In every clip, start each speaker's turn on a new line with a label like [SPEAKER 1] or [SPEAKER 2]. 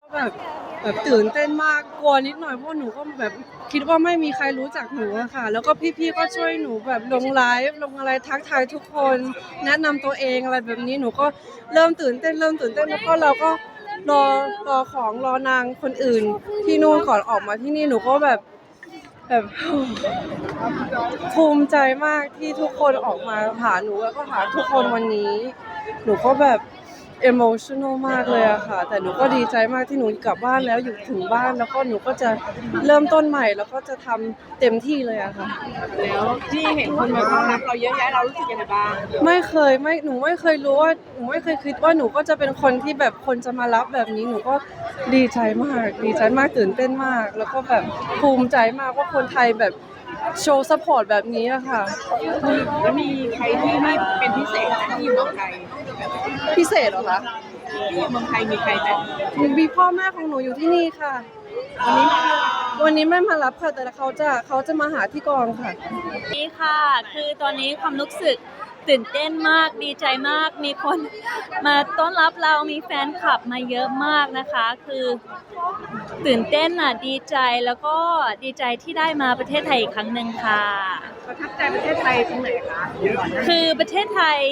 [SPEAKER 1] แบบตื่นเต้นมากกลัวนิดหน่อยเพราะหนูก็แบบคิดว่าไม่มีใครรู้จักหนูอะค่ะแล้วก็พี่ๆก็ช่วยหนูแบบลงไลฟ์ลงอะไรทักทายทุกคนแนะนำตัวเองอะไรแบบนี้หนูก็เริ่มตื่นเต้นแล้วก็เราก็รอของรอนางคนอื่นที่นู่นก่อนออกมาที่นี่หนูก็แบบภูมิใจมากที่ทุกคนออกมาหาหนูแล้วก็หาทุกคนวันนี้หนูก็แบบemotional มากเลยอะค่ะแต่หนูก็ดีใจมากที่หนูกลับบ้านแล้วอยู่ถึงบ้านแล้วก็หนูก็จะเริ่มต้นใหม่แล้วก็จะทำเต็มที่เลยอะค่ะ
[SPEAKER 2] แล้วที่เห็นคนมาต้อนรับเราเยอะแยะเรารู้สึกยังไงบ้าง
[SPEAKER 1] หนูไม่เคยรู้ว่าหนูไม่เคยคิดว่าหนูก็จะเป็นคนที่แบบคนจะมารับแบบนี้หนูก็ดีใจมากตื่นเต้นมากแล้วก็แบบภูมิใจมากว่าคนไทยแบบโชว์ซัพพอร์ตแบบนี้อะค่ะ
[SPEAKER 2] แล้วมีใครที่ไม่เป็นพิเศษนะที่อยู่เมืองไทย
[SPEAKER 1] พิเศษเหรอคะ
[SPEAKER 2] ที่อยู่เมืองไทยมีใครไหม
[SPEAKER 1] มีพ่อแม่ของหนูอยู่ที่นี่ค่ะวันนี้ไม่มารับค่ะแต่เขาจะมาหาที่กองค่ะ
[SPEAKER 3] นี่ค่ะคือตอนนี้ความรู้สึกตื่นเต้นมากดีใจมากมีคนมาต้อนรับเรามีแฟนคลับมาเยอะมากนะคะคือตื่นเต้นอ่ะดีใจแล้วก็ดีใจที่ได้มาประเทศไทยอีกครั้งหนึ่งค่ะ
[SPEAKER 2] ประทับใจประเทศไทยตรงไหนคะ
[SPEAKER 3] คือประเทศไทย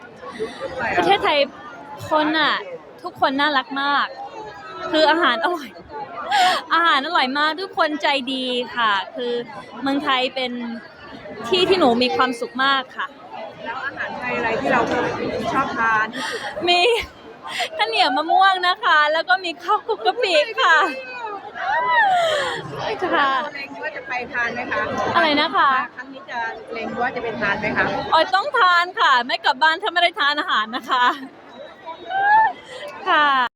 [SPEAKER 3] คนอ่ะทุกคนน่ารักมากคืออาหารอร่อยมากทุกคนใจดีค่ะคือเมืองไทยเป็นที่ที่หนูมีความสุขมากค่ะ
[SPEAKER 2] แล้วอาหารไทยอะไรที่เราชอบทานที่สุด
[SPEAKER 3] มีข้าวเหนียวมะม่วงนะคะแล้วก็มีข้าวคลุกกะปิค่ะ
[SPEAKER 2] ค่ะเล็งว่าจะไปทานไหมคะ
[SPEAKER 3] อะไรนะคะ
[SPEAKER 2] ครั้งนี้จะเล็งว่าจะไปทานไหมคะ
[SPEAKER 3] ออยต้องทานค่ะไม่กลับบ้านถ้าไม่ได้ทานอาหารนะคะค่ะ